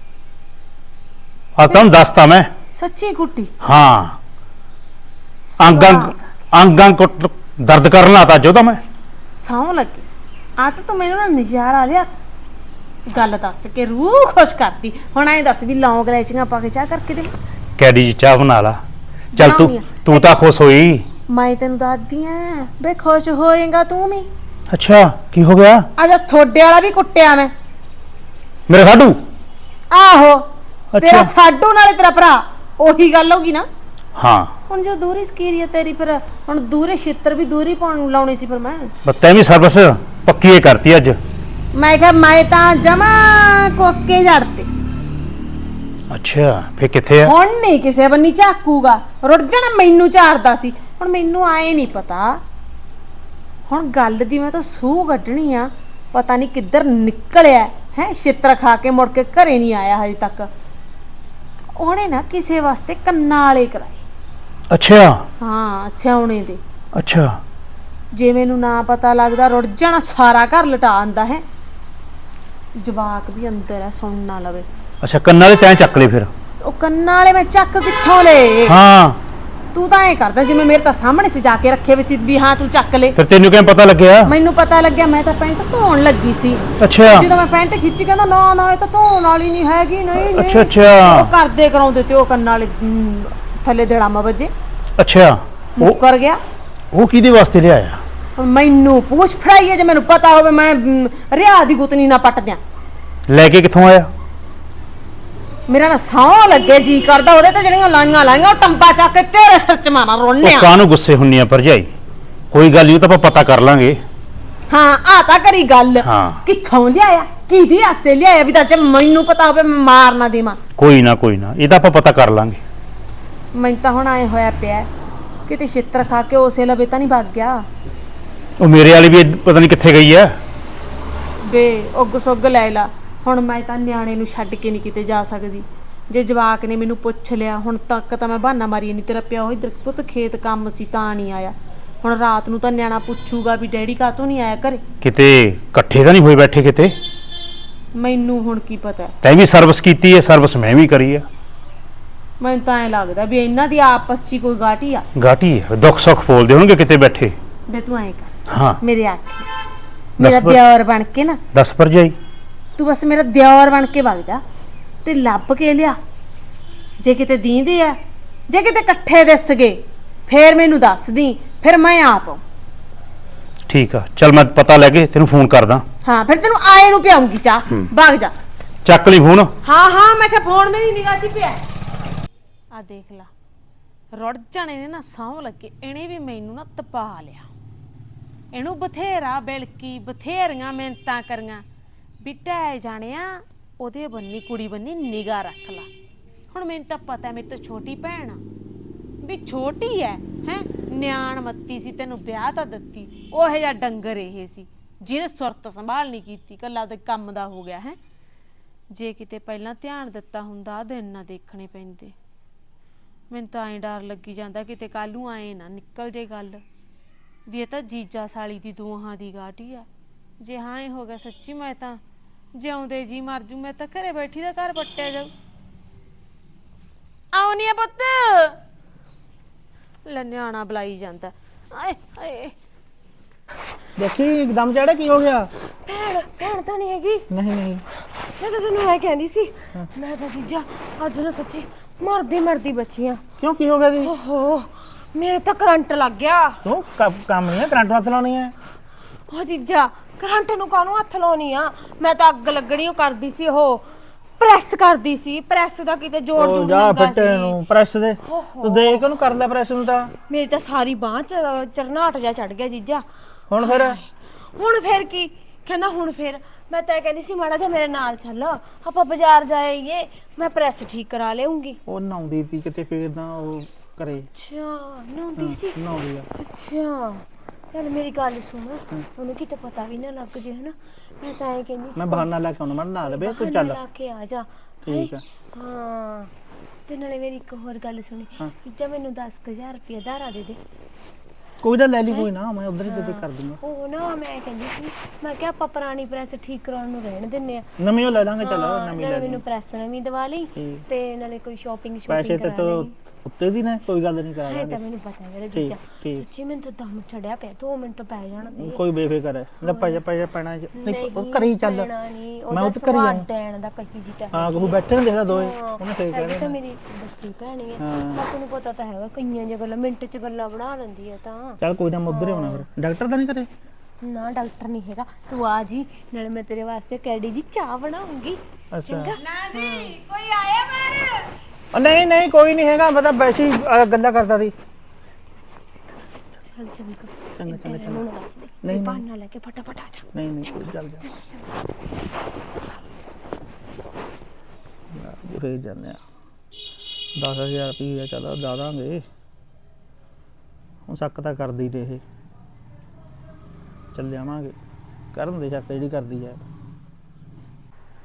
[SPEAKER 5] ਅੱਜ ਤਾਂ ਦੱਸਤਾ ਮੈਂ।
[SPEAKER 3] ਸੱਚੀ ਕੁੱਟੀ?
[SPEAKER 5] ਹਾਂ ਅੰਗ ਅੰਗ ਅੰਗ ਅੰਗ ਕੁੱਟ ਦਰਦ ਕਰਨ ਲਾਤਾ ਜੋ ਤਾਂ ਮੈਂ।
[SPEAKER 3] ਸੌਂ ਲੱਗੀ ਆ ਤਾਂ ਤੂੰ ਮੈਨੂੰ ਨਾ ਨਜ਼ਾਰਾ ਲਿਆ। ਗੱਲ ਦੱਸ ਕੇ ਰੂਹ ਖੁਸ਼ ਕਰਤੀ। ਹੁਣ ਐਂ ਦੱਸ ਵੀ ਲੌਂਗ ਇਲਾਇਚੀਆਂ ਪਾ ਕੇ ਚਾਹ ਕਰਕੇ ਦੇ।
[SPEAKER 5] ਕੈਡੀ ਜੀ ਚਾਹ ਬਣਾ ਲਾ। ਚੱਲ ਤੂੰ
[SPEAKER 3] ਬਣਾਉਣੀ ਆ।
[SPEAKER 5] ਤੂੰ ਤਾਂ ਖੁਸ਼ ਹੋਈ।
[SPEAKER 3] ਮੈਂ ਤੈਨੂੰ ਦੱਸਦੀ ਆਂ ਬੇ ਖੁਸ਼ ਹੋਏਗਾ ਤੂੰ ਵੀ।
[SPEAKER 5] ਅੱਛਾ ਕੀ ਹੋ ਗਿਆ?
[SPEAKER 3] ਅੱਜ ਥੋੜੇ ਵਾਲਾ ਵੀ ਕੁੱਟਿਆ ਮੈਂ।
[SPEAKER 5] ਮੇਰੇ ਸਾਡੂ
[SPEAKER 3] ਆਹੋ ਤੇਰਾ
[SPEAKER 5] ਅੱਛਾ
[SPEAKER 3] ਸਾਡੂ ਨਾਲੇ ਤੇਰਾ ਭਰਾ ਉਹੀ ਗੱਲ ਹੋਗੀ ਨਾ।
[SPEAKER 5] ਹਾਂ
[SPEAKER 3] ਹੁਣ ਜੋ ਦੂਰੀ ਸਕੀਰੀ ਹੈ ਤੇਰੀ ਫਿਰ ਹੁਣ ਦੂਰੇ ਛਿੱਤਰ ਵੀ ਦੂਰੀ ਪਾਉਣ ਨੂੰ ਲਾਉਣੀ ਸੀ ਫਿਰ ਮੈਂ।
[SPEAKER 5] ਬੱਤੇ ਵੀ ਸਰਵਿਸ ਪੱਕੀ ਏ ਕਰਤੀ ਅੱਜ।
[SPEAKER 3] ਮੈਂ ਕਿਹਾ ਮੈਂ ਤਾਂ ਜਮਾ ਕੋਕੇ ਜੜਤੇ।
[SPEAKER 5] ਅੱਛਾ ਫੇ ਕਿੱਥੇ ਆ?
[SPEAKER 3] ਹੁਣ ਨਹੀਂ ਕਿਸੇ ਬੰਨੀ ਝਾਕੂਗਾ। ਰੁੱਟ ਜਾਣਾ ਮੈਨੂੰ ਝਾੜਦਾ ਸੀ। ਹੁਣ ਮੈਨੂੰ ਆਏ ਨਹੀਂ ਪਤਾ। ਹੁਣ ਗੱਲ ਦੀ ਮੈਂ ਤਾਂ ਸੂਹ ਕੱਢਣੀ ਆ। ਪਤਾ ਨਹੀਂ ਕਿੱਧਰ ਨਿਕਲਿਆ ਹੈ ਛਿੱਤਰ ਖਾ ਕੇ ਮੁੜ ਕੇ ਘਰੇ ਨਹੀਂ ਆਇਆ ਹਜੇ ਤੱਕ। ਉਹਨੇ ਨਾ ਕਿਸੇ ਵਾਸਤੇ ਕੰਨਾਂ ਵਾਲੇ ਕਰਾਏ।
[SPEAKER 5] ਅੱਛਾ
[SPEAKER 3] ਹਾਂ ਸਿਆਉਣੇ ਦੇ।
[SPEAKER 5] ਅੱਛਾ
[SPEAKER 3] ਜੇ ਮੈਨੂੰ ਨਾ ਪਤਾ ਲੱਗਦਾ ਰੁੜ ਜਾਣਾ ਸਾਰਾ ਘਰ ਲਟਾ ਆਂਦਾ ਹੈ। ਜਵਾਕ ਵੀ ਅੰਦਰ ਹੈ ਸੁਣ ਨਾ ਲਵੇ।
[SPEAKER 5] ਅੱਛਾ ਕੰਨਾਂ ਵਾਲੇ ਤੈਂ ਚੱਕ ਲਏ ਫਿਰ?
[SPEAKER 3] ਉਹ ਕੰਨਾਂ ਵਾਲੇ ਮੈਂ ਚੱਕ ਕਿੱਥੋਂ ਲਏ?
[SPEAKER 5] ਹਾਂ
[SPEAKER 3] ਤੂੰ ਤਾਂ ਐ ਕਰਦਾ ਜਿਵੇਂ ਮੇਰੇ ਤਾਂ ਸਾਹਮਣੇ ਸਜਾ ਕੇ ਰੱਖੇ ਵੀ ਸੀ ਵੀ ਹਾਂ ਤੂੰ ਚੱਕ ਲੈ।
[SPEAKER 5] ਫਿਰ ਤੈਨੂੰ ਕਿਵੇਂ ਪਤਾ ਲੱਗਿਆ?
[SPEAKER 3] ਮੈਨੂੰ ਪਤਾ ਲੱਗਿਆ, ਮੈਂ ਤਾਂ ਪੈਂਟ ਧੋਣ ਲੱਗੀ ਸੀ।
[SPEAKER 5] ਅੱਛਾ
[SPEAKER 3] ਜਦੋਂ ਮੈਂ ਪੈਂਟ ਖਿੱਚੀ ਕਹਿੰਦਾ ਨਾ ਨਾ ਇਹ ਤਾਂ ਧੋਣ ਵਾਲੀ ਨਹੀਂ ਹੈਗੀ। ਨਹੀਂ ਨਹੀਂ
[SPEAKER 5] ਅੱਛਾ ਅੱਛਾ
[SPEAKER 3] ਉਹ ਕਰਦੇ ਕਰਾਉਂਦੇ ਤੇ ਉਹ ਕੰਨਾਂ ਵਾਲੇ ਹਮ, ਥੱਲੇ ਦੜਾਮਾ ਵੱਜੇ
[SPEAKER 5] ਅੱਛਾ ਉਹ
[SPEAKER 3] ਮੁੱਕਰ ਗਿਆ।
[SPEAKER 5] ਉਹ ਕਿਹਦੇ ਵਾਸਤੇ ਲਿਆਇਆ?
[SPEAKER 3] ਹੁਣ ਮੈਨੂੰ ਪੁੱਛ ਫੜਾਈਏ ਜੇ ਮੈਨੂੰ ਪਤਾ ਹੋਵੇ ਮੈਂ ਹਮ, ਰਿਆ ਦੀ ਗੁੱਤਨੀ ਨਾ ਪੱਟ ਦਿਆਂ।
[SPEAKER 5] ਲੈ ਕੇ ਕਿੱਥੋਂ ਆਇਆ?
[SPEAKER 3] ਮੇਰਾ ਨਾ ਸੌਂ ਲੱਗੇ ਜੀ ਕਰਦਾ ਉਹਦੇ ਤੇ ਜਿਹੜੀਆਂ ਲਾਈਆਂ ਲਾਈਆਂ ਉਹ ਟੰਪਾ ਚੱਕ ਕੇ ਤੇਰੇ ਸਿਰ ਚ ਮਾਰਾਂ ਰੋਣਿਆ।
[SPEAKER 5] ਉਹ ਕਾਹਨੂੰ ਗੁੱਸੇ ਹੁੰਨੀ ਆ ਭਰਜਾਈ? ਕੋਈ ਗੱਲ ਨਹੀਂ, ਉਹ ਤਾਂ ਆਪਾਂ ਪਤਾ ਕਰ ਲਾਂਗੇ।
[SPEAKER 3] ਹਾਂ ਆ ਤਾਂ ਕਰੀ ਗੱਲ।
[SPEAKER 5] ਹਾਂ
[SPEAKER 3] ਕਿੱਥੋਂ ਲਿਆਇਆ ਕਿਹਦੀ ਆਸੇ ਲਿਆਇਆ ਵੀ ਤਾਂ ਜੇ ਮੈਨੂੰ ਪਤਾ ਹੋਵੇ ਮੈਂ ਮਾਰ ਨਾ ਦੇਵਾਂ।
[SPEAKER 5] ਕੋਈ ਨਾ ਕੋਈ ਨਾ, ਇਹ ਤਾਂ ਆਪਾਂ ਪਤਾ ਕਰ ਲਾਂਗੇ।
[SPEAKER 3] ਮੈਨੂੰ ਤਾਂ ਹੁਣ ਆਏ ਹੋਇਆ ਪਿਆ ਕਿਤੇ ਛਿੱਤਰ ਖਾ ਕੇ ਉਸੇ ਲਵੇ ਤਾਂ ਨਹੀਂ ਭੱਗ ਗਿਆ।
[SPEAKER 5] ਉਹ ਮੇਰੇ ਵਾਲੀ ਵੀ ਪਤਾ ਨਹੀਂ ਕਿੱਥੇ ਗਈ ਆ।
[SPEAKER 3] ਬੇ ਉੱਗ ਸੁੱਗ ਲੈ ਲਾ। ਹੁਣ ਮੈਂ ਤਾਂ ਨਿਆਣੇ ਨੂੰ ਛੱਡ ਕੇ ਨਹੀਂ ਕਿਤੇ ਜਾ ਸਕਦੀ। ਜੇ ਜਵਾਕ ਨੇ ਮੈਨੂੰ ਪੁੱਛ ਲਿਆ ਹੁਣ ਤੱਕ ਤਾਂ ਮੈਂ ਬਹਾਨਾ ਮਾਰੀ ਨਹੀਂ ਤੇਰਾ ਪਿਓ ਇੱਧਰ ਪੁੱਤ ਖੇਤ ਕੰਮ ਸੀ ਤਾਂ ਨਹੀਂ ਆਇਆ। ਹੁਣ ਰਾਤ ਨੂੰ ਤਾਂ ਨਿਆਣਾ ਪੁੱਛੂਗਾ ਵੀ ਡੈਡੀ ਕਾਹਤੋਂ ਨਹੀਂ ਆਇਆ ਘਰੇ।
[SPEAKER 5] ਕਿਤੇ ਇਕੱਠੇ ਤਾਂ ਨਹੀਂ ਹੋਏ ਬੈਠੇ ਕਿਤੇ?
[SPEAKER 3] ਮੈਨੂੰ ਹੁਣ ਕੀ ਪਤਾ।
[SPEAKER 5] ਤੈਂ ਵੀ ਸਰਵਿਸ ਕੀਤੀ ਹੈ, ਸਰਵਿਸ ਮੈਂ ਵੀ ਕਰੀ ਆ।
[SPEAKER 3] ਮੈਨੂੰ ਤਾਂ ਐ ਲੱਗਦਾ ਵੀ ਇਹਨਾਂ ਦੀ ਆਪਸ 'ਚ ਹੀ ਕੋਈ ਗਾਟੀ ਆ।
[SPEAKER 5] ਗਾਟੀ ਹੈ, ਦੁੱਖ ਸੁੱਖ ਫੋਲਦੇ ਹੋਣਗੇ ਕਿਤੇ ਬੈਠੇ।
[SPEAKER 3] ਬੇ ਤੂੰ ਐ ਕਰ
[SPEAKER 5] ਹਾਂ
[SPEAKER 3] ਮੇਰੇ ਆਖੀ ਮੇਰਾ
[SPEAKER 5] ਪਰ-
[SPEAKER 3] ਦਿਓਰ ਬਣ ਕੇ ਨਾ
[SPEAKER 5] ਦੱਸ ਭਰਜਾਈ।
[SPEAKER 3] ਤੂੰ ਬਸ ਮੇਰਾ ਦਿਓਰ ਬਣ ਕੇ ਵਗ ਜਾ ਤੇ ਲੱਭ ਕੇ ਲਿਆ। ਜੇ ਕਿਤੇ ਦੀਂਦੇ ਆ ਜੇ ਕਿਤੇ ਇਕੱਠੇ ਦਿਸ ਗਏ ਫੇਰ ਮੈਨੂੰ ਦੱਸ ਦੀ, ਫਿਰ ਮੈਂ ਆਪ।
[SPEAKER 5] ਠੀਕ ਆ ਚੱਲ ਮੈਂ ਪਤਾ ਲੈ ਕੇ ਤੈਨੂੰ ਫੋਨ ਕਰਦਾ।
[SPEAKER 3] ਹਾਂ ਫਿਰ ਤੈਨੂੰ ਆਏ ਨੂੰ ਪਿਆਉਂਗੀ ਚਾਹ। ਵਗ ਜਾ।
[SPEAKER 5] ਚੱਕ ਲਈ ਫੋਨ।
[SPEAKER 3] ਹਾਂ ਹਾਂ ਮੈਂ ਕਿਹਾ ਫੋਨ ਮੇਰੀ ਨਿਗਾਹ 'ਚ ਪਿਆ। ਆ ਦੇਖ ਲਾ ਰੁੜ ਜਾਣੇ ਨੇ ਨਾ ਸੌਂ ਲੱਗੇ ਇਹਨੇ ਵੀ ਮੈਨੂੰ ਨਾ ਤਪਾ ਲਿਆ। ਇਹਨੂੰ ਬਥੇਰਾ ਬਿਲਕੀ ਬਥੇਰੀਆਂ ਮਿਹਨਤਾਂ ਕਰੀਆਂ ਬਿਟਾ ਜਾਣਿਆ ਉਹਦੇ ਬੰਨੀ ਕੁੜੀ ਬੰਨੀ ਨਿਗਾਹ ਰੱਖ ਲਾ। ਹੁਣ ਮੈਨੂੰ ਤਾਂ ਪਤਾ ਮੇਰੀ ਤਾਂ ਛੋਟੀ ਭੈਣ ਆ ਵੀ ਛੋਟੀ ਐ ਹੈ ਨਿਆਣ ਮੱਤੀ ਸੀ ਤੈਨੂੰ ਵਿਆਹ ਤਾਂ ਦਿੱਤੀ ਉਹ ਜਿਹਾ ਡੰਗਰ ਇਹ ਸੀ ਜਿਹਨੇ ਸੁਰਤ ਸੰਭਾਲ ਨਹੀਂ ਕੀਤੀ ਕੱਲਾ ਤੇ ਕੰਮ ਦਾ ਹੋ ਗਿਆ ਹੈ। ਜੇ ਕਿਤੇ ਪਹਿਲਾਂ ਧਿਆਨ ਦਿੱਤਾ ਹੁੰਦਾ ਦਿਨ ਨਾ ਦੇਖਣੇ ਪੈਂਦੇ। ਮੈਨੂੰ ਤਾਂ ਐਂ ਡਰ ਲੱਗੀ ਜਾਂਦਾ ਕਿਤੇ ਕੱਲ ਨੂੰ ਆਏ ਨਾ ਨਿਕਲ ਜੇ ਗੱਲ ਵੀ ਇਹ ਤਾਂ ਜੀਜਾ ਸਾਲੀ ਦੀ ਦੋਹਾਂ ਦੀ ਗਾਟੀ ਆ। ਜੇ ਹਾਂ ਇਹ ਹੋ ਗਿਆ ਸੱਚੀ ਮੈਂ ਤਾਂ ਜਿਉਂਦੇ ਜੀ ਮਰ ਜੂ। ਮੈਂ ਤਾਂ ਘਰੇ ਬੈਠੀ ਦਾ ਘਰ ਪੱਟਿਆ ਜਾਊ। ਆਉ ਨੀ ਪੁੱਤ ਲੈ ਨਿਆਣਾ ਬੁਲਾਈ ਜਾਂਦਾ। ਆਏ ਹਾਏ
[SPEAKER 1] ਦੇਖੀ ਇੱਕਦਮ ਚੜਾ ਕੀ ਹੋ ਗਿਆ?
[SPEAKER 4] ਭੈਣ ਭੈਣ ਤਾਂ ਨਹੀਂ ਹੈਗੀ।
[SPEAKER 1] ਨਹੀਂ ਨਹੀਂ
[SPEAKER 4] ਮੈਂ ਤਾਂ ਤੈਨੂੰ ਐ ਕਹਿੰਦੀ ਸੀ ਮੈਂ ਤਾਂ ਜੀਜਾ ਅੱਜ ਨਾ ਸੱਚੀ ਮਰਦੀ ਮਰਦੀ ਬਚੀਆਂ।
[SPEAKER 1] ਕਿਉਂ ਕੀ ਹੋ ਗਿਆ ਜੀ?
[SPEAKER 4] ਓਹੋ ਮੇਰੇ ਤਾਂ ਕਰੰਟ ਲੱਗ ਗਿਆ।
[SPEAKER 1] ਤੂੰ ਕ- ਕੰਮ ਨਹੀਂ ਹੈ ਕਰੰਟ ਹੱਥ ਲਾਉਣੀ ਹੈ।
[SPEAKER 4] ਉਹ ਜੀਜਾ ਕਰੰਟ ਨੂੰ ਕਾਹਨੂੰ ਹੱਥ ਲਾਉਣੀ ਆ। ਮੈਂ ਤਾਂ ਅੱਗ ਲੱਗਣੀ ਉਹ ਕਰਦੀ ਸੀ ਉਹ ਪ੍ਰੈਸ ਕਰਦੀ ਸੀ। ਪ੍ਰੈਸ ਦਾ ਕਿਤੇ ਜੋੜ
[SPEAKER 1] ਉਹ
[SPEAKER 4] ਜੋੜ
[SPEAKER 1] ਜਾ
[SPEAKER 4] ਹੁੰਦਾ
[SPEAKER 1] ਫੱਟੇ
[SPEAKER 4] ਸੀ।
[SPEAKER 1] ਨੂੰ ਪ੍ਰੈਸ ਦੇ
[SPEAKER 4] ਓਹੋ।
[SPEAKER 1] ਤੂੰ ਦੇਖ ਉਹਨੂੰ ਕਰ ਲੈ ਪ੍ਰੈਸ ਨੂੰ ਤਾਂ।
[SPEAKER 4] ਮੇਰੀ ਤਾਂ ਸਾਰੀ ਬਾਂਹ ਚ ਚਰਨਾਟ ਜਾ ਚੜ ਗਿਆ ਜੀਜਾ।
[SPEAKER 1] ਹੁਣ ਫਿਰ
[SPEAKER 4] ਹੁਣ ਫੇਰ ਕੀ ਕਹਿੰਦਾ ਹੁਣ ਫੇਰ ਮੈਂ ਤਾਂ ਕਹਿੰਦੀ ਸੀ ਮਾੜਾ ਜਿਹਾ ਮੇਰੇ ਨਾਲ ਚੱਲ ਆਪਾਂ ਬਾਜ਼ਾਰ ਜਾਈਏ ਮੈਂ ਪ੍ਰੈਸ ਠੀਕ ਕਰਾ ਲਿਆਉਂਗੀ।
[SPEAKER 1] ਉਹ ਨਹਾਉਂਦੀ ਸੀ ਕਿਤੇ ਫੇਰ ਨਾ ਉਹ ਕਰੇ
[SPEAKER 4] ਅੱਛਾ ਨਹਾਉਂਦੀ ਸੀ।
[SPEAKER 1] ਨਹਾਉਂਦੀ ਆ।
[SPEAKER 4] ਅੱਛਾ ਚੱਲ ਮੇਰੀ ਗੱਲ ਸੁਣ ਉਹਨੂੰ ਕਿਤੇ ਪਤਾ ਵੀ ਨਾ ਲੱਗ ਜੇ ਹਨਾ। ਮੈਂ ਤਾਂ ਐ ਕਹਿੰਦੀ ਸੀ
[SPEAKER 1] ਮੈਂ ਬਹਾਨਾ ਲੈ ਕੇ ਆਉਣਾ ਮੈਂ ਨਹਾ ਲਵੇ ਤੂੰ
[SPEAKER 4] ਬਹਾਨਾ
[SPEAKER 1] ਚੱਲ।
[SPEAKER 4] ਲਾ ਕੇ ਆ ਜਾ।
[SPEAKER 1] ਠੀਕ ਆ।
[SPEAKER 4] ਹਾਂ ਤੇ ਨਾਲੇ ਮੇਰੀ ਇੱਕ ਹੋਰ ਗੱਲ ਸੁਣੀ ਜੀਜਾ ਮੈਨੂੰ ਦਸ ਹਜ਼ਾਰ ਰੁਪਏ ਧਾਰਾ ਦੇ ਦੇ।
[SPEAKER 1] ਕੋਈ ਨਾ ਲੈ ਲਈ ਕੋਈ ਨਾ ਮੈਂ ਉਧਰ ਹੀ ਦੇ ਦੇ ਕਰ ਦੂੰਗਾ।
[SPEAKER 4] ਉਹ ਨਾ ਮੈਂ ਕਹਿੰਦੀ ਸੀ ਮੈਂ ਕਿਹਾ ਆਪਾਂ ਪੁਰਾਣੀ ਪ੍ਰੈਸ ਠੀਕ ਕਰਾਉਣ ਨੂੰ ਰਹਿਣ ਦਿੰਨੇ ਆ।
[SPEAKER 1] ਨਵੀਂ ਉਹ ਲੈ ਲਾਂਗੇ ਚਲ
[SPEAKER 4] ਹਾਂ,
[SPEAKER 1] ਨਵੀਂ
[SPEAKER 4] ਨਾਲੇ
[SPEAKER 1] ਲੈ
[SPEAKER 4] ਮੈਨੂੰ
[SPEAKER 1] ਲਾਂਗੇ।
[SPEAKER 4] ਪ੍ਰੈਸ ਨਵੀਂ ਦਵਾ ਲਈ
[SPEAKER 1] ਠੀਕ।
[SPEAKER 4] ਤੇ ਨਾਲੇ ਕੋਈ ਸ਼ਾਪਿੰਗ
[SPEAKER 1] ਪੈਸੇ
[SPEAKER 4] ਸ਼ਾਪਿੰਗ
[SPEAKER 1] ਤੇ
[SPEAKER 4] ਕਰਾ
[SPEAKER 1] ਤੋਂ
[SPEAKER 4] ਲਈ।
[SPEAKER 1] ਉੱਤੇ ਦੀ ਨੇ ਕੋਈ ਗੱਲ ਨਹੀਂ ਕਰਾ
[SPEAKER 4] ਹੈ ਤਾਂ
[SPEAKER 1] ਲਾਂਗੇ।
[SPEAKER 4] ਮੈਨੂੰ ਪਤਾ ਹੈ ਮੇਰੇ
[SPEAKER 1] ਠੀਕ,
[SPEAKER 4] ਜੀਜਾ
[SPEAKER 1] ਠੀਕ।
[SPEAKER 4] ਸੱਚੀ ਮੈਨੂੰ ਤਾਂ ਦਮ ਚੜਿਆ ਪਿਆ ਦੋ ਮਿੰਟ ਪੈ ਜਾਣਾ ਤੇ
[SPEAKER 1] ਕੋਈ ਬੇਫਿਕਰ ਹੈ ਲੈ ਪੈ ਪੈ ਪੈਣਾ ਨਹੀਂ ਉਹ
[SPEAKER 4] ਨਹੀਂ,
[SPEAKER 1] ਕਰੀ ਚੱਲ।
[SPEAKER 4] ਪੈਣਾ ਨਹੀਂ,
[SPEAKER 1] ਮੈਂ
[SPEAKER 4] ਉਹਦਾ
[SPEAKER 1] ਉਹ ਤੇ ਕਰੀ
[SPEAKER 4] ਸੁਭਾਅ
[SPEAKER 1] ਜਾਊਂ।
[SPEAKER 4] ਡੈਣ ਦਾ ਕਹੀ ਜੀ ਤਾਂ
[SPEAKER 1] ਹਾਂ ਕੋਈ ਬੈਠੇ ਨੇ ਦੇਖਦਾ ਦੋਏ
[SPEAKER 4] ਹਾਂ,
[SPEAKER 1] ਉਹਨੇ ਫੇਰ
[SPEAKER 4] ਹੈਗੀ
[SPEAKER 1] ਕਹਿਣਾ
[SPEAKER 4] ਤਾਂ ਮੇਰੀ ਵੱਡੀ ਭੈਣੀ ਹੈ
[SPEAKER 1] ਹਾਂ।
[SPEAKER 4] ਪਰ ਤੈਨੂੰ ਪਤਾ ਤਾਂ ਹੈਗਾ ਕਈਆਂ ਜਿਹੀਆਂ ਗੱਲਾਂ ਮਿੰਟ 'ਚ ਗੱਲਾਂ ਬਣਾ ਲੈਂਦੀ ਹੈ ਤਾਂ।
[SPEAKER 1] ਚੱਲ ਕੋਈ ਨਾ ਮੈਂ ਉਧਰ ਹੀ ਆਉਣਾ ਫਿਰ ਡਾਕਟਰ ਤਾਂ ਨਹੀਂ ਕਰੇ।
[SPEAKER 4] ਨਾ ਡਾਕਟਰ ਨਹੀਂ ਹੈਗਾ ਤੂੰ ਆ ਜੀ ਨਾਲੇ ਮੈਂ ਤੇਰੇ ਵਾਸਤੇ ਕੈਡੀ ਜੀ ਚਾਹ ਬਣਾਉਂਗੀ।
[SPEAKER 1] ਅੱਛਾ
[SPEAKER 4] ਚੰਗਾ
[SPEAKER 3] ਨਾ ਜੀ ਕੋਈ ਆਇਆ ਬਾਹਰ?
[SPEAKER 1] ਉਹ ਨਹੀਂ ਨਹੀਂ ਕੋਈ ਨਹੀਂ ਹੈਗਾ ਮੈਂ ਤਾਂ ਵੈਸੇ ਹੀ ਅਹ, ਗੱਲਾਂ ਕਰਦਾ ਸੀ।
[SPEAKER 4] ਚੱਲ ਚੰਗਾ
[SPEAKER 1] ਚੰਗਾ ਚੰਗਾ
[SPEAKER 4] ਤੇਰੇ ਨੂੰ ਨਾ ਦੱਸ ਦੇ
[SPEAKER 1] ਨਹੀਂ,
[SPEAKER 4] ਨਹੀਂ
[SPEAKER 1] ਨਹੀਂ।
[SPEAKER 4] ਬਹਾਨਾ ਲੈ ਕੇ ਫਟਾਫਟ ਆ ਜਾ।
[SPEAKER 1] ਨਹੀਂ ਨਹੀਂ ਕੋਈ ਚੱਲ ਜਾ ਫੇਰ ਜਾਂਦੇ ਆ ਦਸ ਹਜ਼ਾਰ ਰੁਪਈਆ ਚੱਲ ਲਾ ਦਾਂਗੇ। ਹੁਣ ਸ਼ੱਕ ਤਾਂ ਕਰਦੀ ਤੇ ਇਹ ਚੱਲ ਜਾਵਾਂਗੇ ਕਰਨ ਦੇ ਸ਼ੱਕ ਜਿਹੜੀ ਕਰਦੀ ਹੈ।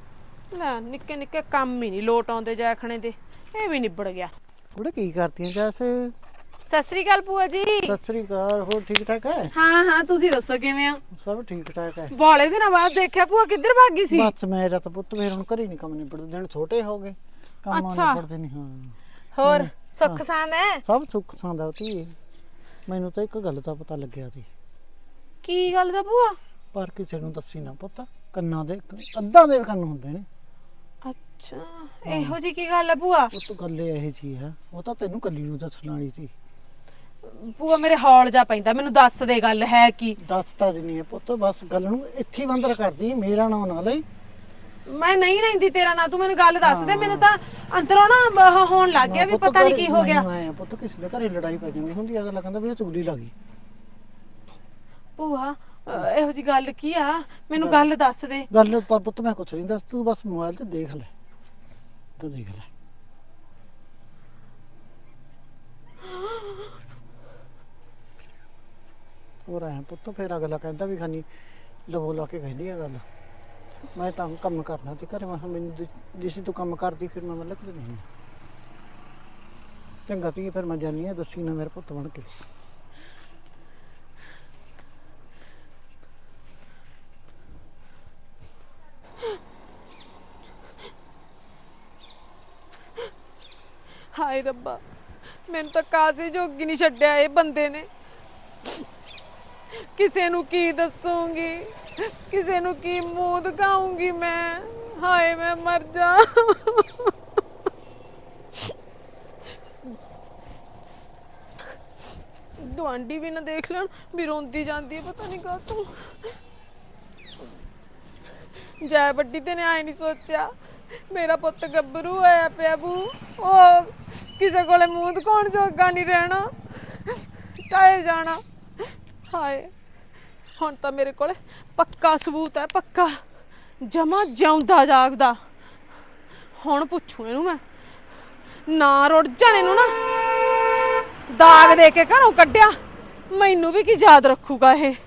[SPEAKER 3] ਲੈ ਨਿੱਕੇ ਨਿੱਕੇ ਕੰਮ ਹੀ ਨਹੀਂ ਲੋਟ ਆਉਂਦੇ ਜੈਖਣੇ ਦੇ, ਇਹ ਵੀ ਨਿਬੜ ਗਿਆ।
[SPEAKER 6] ਕੁੜੇ ਕੀ ਕਰਦੀਆਂ ਜੈਸ?
[SPEAKER 3] ਸਤਿ ਸ੍ਰੀ ਅਕਾਲ ਭੂਆ ਜੀ।
[SPEAKER 6] ਸਤਿ ਸ੍ਰੀ ਅਕਾਲ। ਹੋਰ ਠੀਕ ਠਾਕ ਹੈ?
[SPEAKER 3] ਹਾਂ ਹਾਂ ਤੁਸੀਂ ਦੱਸੋ ਕਿਵੇਂ ਹੋ?
[SPEAKER 6] ਸਭ ਠੀਕ ਠਾਕ ਹੈ।
[SPEAKER 3] ਬਾਲੇ ਦਿਨਾਂ ਬਾਅਦ ਦੇਖਿਆ ਭੂਆ, ਕਿੱਧਰ ਭੱਗ ਗਈ ਸੀ?
[SPEAKER 6] ਬਸ ਮੇਰਾ ਤਾਂ ਪੁੱਤ ਫੇਰ ਹੁਣ ਘਰੇ ਨਹੀਂ ਕੰਮ ਨਿਬੜਦੇ, ਦਿਨ ਛੋਟੇ ਹੋ ਗਏ, ਕੰਮ
[SPEAKER 3] ਅੱਛਾ।
[SPEAKER 6] ਨਿਬੜਦੇ ਨਹੀਂ। ਹਾਂ
[SPEAKER 3] ਹੋਰ ਸੁੱਖ ਸਾਂਦ ਹੈ?
[SPEAKER 6] ਸਭ ਸੁੱਖ ਸਾਂਦਾ ਧੀਏ। ਮੈਨੂੰ ਤਾਂ ਇੱਕ ਗੱਲ ਦਾ ਪਤਾ ਲੱਗਿਆ ਸੀ।
[SPEAKER 3] ਕੀ ਗੱਲ ਦਾ ਭੂਆ?
[SPEAKER 6] ਪਰ ਕਿਸੇ ਨੂੰ ਦੱਸੀ ਨਾ ਪੁੱਤ, ਕੰਨਾਂ ਦੇ ਅੱਧਾਂ ਦੇ ਕੰਨ ਹੁੰਦੇ ਨੇ।
[SPEAKER 3] ਅੱਛਾ, ਇਹੋ ਜੀ ਕੀ ਗੱਲ ਹੈ ਭੂਆ?
[SPEAKER 6] ਉਹ ਤਾਂ ਗੱਲ ਇਹ ਜੀ ਹੈ, ਉਹ ਤਾਂ ਤੈਨੂੰ ਕੱਲੀ ਨੂੰ ਦੱਸਣ ਵਾਲੀ ਸੀ।
[SPEAKER 3] ਭੂਆ ਮੇਰੇ ਹੌਲ ਜਾ ਪੈਂਦਾ, ਮੈਨੂੰ ਦੱਸ ਦੇ ਗੱਲ ਹੈ ਕੀ?
[SPEAKER 6] ਦੱਸਤਾ ਦਿੰਨੀ ਹੈ ਪੁੱਤ, ਬਸ ਗੱਲ ਨੂੰ ਇੱਥੇ ਹੀ ਬੰਦਰ ਕਰਦੀ, ਮੇਰਾ ਨਾਂ ਨਾ ਲਈ।
[SPEAKER 3] ਮੈਂ ਨਹੀਂ ਲੈਂਦੀ ਤੇਰਾ ਨਾਂ, ਤੂੰ ਮੈਨੂੰ ਗੱਲ ਦੱਸ ਦੇ। ਮੈਨੂੰ ਤਾਂ ਅੰਦਰੋਂ ਨਾ ਆਹ ਹੋਣ ਲੱਗ ਗਿਆ ਵੀ ਪਤਾ ਨਹੀਂ ਕੀ ਹੋ ਗਿਆ।
[SPEAKER 6] ਮੈਂ ਪੁੱਤ ਕਿਸੇ ਦੇ ਘਰੇ ਲੜਾਈ ਪੈ ਜਾਂਦੀ ਹੁੰਦੀ, ਅਗਲਾ ਕਹਿੰਦਾ ਵੀ ਇਹ ਚੁਗਲੀ ਲੱਗੀ।
[SPEAKER 3] ਭੂਆ ਅਹ ਇਹੋ ਜੀ ਗੱਲ ਕੀ ਆ? ਮੈਨੂੰ ਗੱਲ ਦੱਸ ਦੇ।
[SPEAKER 6] ਗੱਲ ਤਾਂ ਪੁੱਤ ਮੈਂ ਕੁਛ ਨਹੀਂ ਦੱਸ, ਤੂੰ ਬਸ ਮੋਬਾਈਲ ਤੇ ਦੇਖ ਲੈ, ਤੂੰ ਦੇਖ ਲੈ। ਹੋਰ ਐ ਪੁੱਤ, ਫਿਰ ਅਗਲਾ ਕਹਿੰਦਾ ਵੀ ਖਾਨੀ ਲਵੋ ਲਾ ਕੇ ਕਹਿੰਦੀ ਆ ਗੱਲ। ਮੈਂ ਤਾਂ ਕੰਮ ਕਰਨਾ ਤੇ ਘਰੇ, ਮੈਂ ਕਿਹਾ ਮੈਨੂੰ ਜਿ- ਜਿਸ ਤੂੰ ਕੰਮ ਕਰਦੀ ਫਿਰ ਮੈਂ ਮਤਲਬ ਕਿ ਨਹੀਂ। ਚੰਗਾ ਤੀ, ਫਿਰ ਮੈਂ ਜਾਨੀ ਆ, ਦੱਸੀ ਨਾ ਮੇਰੇ ਪੁੱਤ ਬਣ ਕੇ।
[SPEAKER 3] ਹਾਏ ਰੱਬਾ, ਮੈਨੂੰ ਤਾਂ ਕਾਜ਼ੀ ਜੋਗੀ ਨਹੀਂ ਛੱਡਿਆ ਇਹ ਬੰਦੇ ਨੇ। ਕਿਸੇ ਨੂੰ ਕੀ ਦੱਸੂਗੀ, ਕਿਸੇ ਨੂੰ ਕੀ ਮੂੰਹ ਦਿਖਾਉਂਗੀ ਮੈਂ? ਹਾਏ ਮੈਂ ਮਰ ਜਾ। ਗੁਆਂਢੀ ਵੀ ਨਾ ਦੇਖ ਲੈਣ ਵੀ ਰੋਂਦੀ ਜਾਂਦੀ ਹੈ, ਪਤਾ ਨਹੀਂ ਕਾਹਤੋਂ। ਜੈ ਵੱਡੀ ਤੇ ਨੇ ਆਏ ਨਹੀਂ ਸੋਚਿਆ ਮੇਰਾ ਪੁੱਤ ਗੱਭਰੂ ਹੋਇਆ ਪਿਆ ਬੂ, ਉਹ ਕਿਸੇ ਕੋਲੇ ਮੂੰਹ ਦਿਖਾਉਣ ਜੋਗਾ ਨਹੀਂ ਰਹਿਣਾ, ਟਾਇਰ ਜਾਣਾ। ਹਾਏ ਹੁਣ ਤਾਂ ਮੇਰੇ ਕੋਲੇ ਪੱਕਾ ਸਬੂਤ ਹੈ, ਪੱਕਾ ਜਮਾ ਜਿਉਂਦਾ ਜਾਗਦਾ। ਹੁਣ ਪੁੱਛੂ ਇਹਨੂੰ ਮੈਂ, ਨਾ ਰੁੜ ਜਾਣੇ ਨੂੰ ਨਾ ਦਾਗ ਦੇ ਕੇ ਘਰੋਂ ਕੱਢਿਆ, ਮੈਨੂੰ ਵੀ ਕੀ ਯਾਦ ਰੱਖੂਗਾ ਇਹ।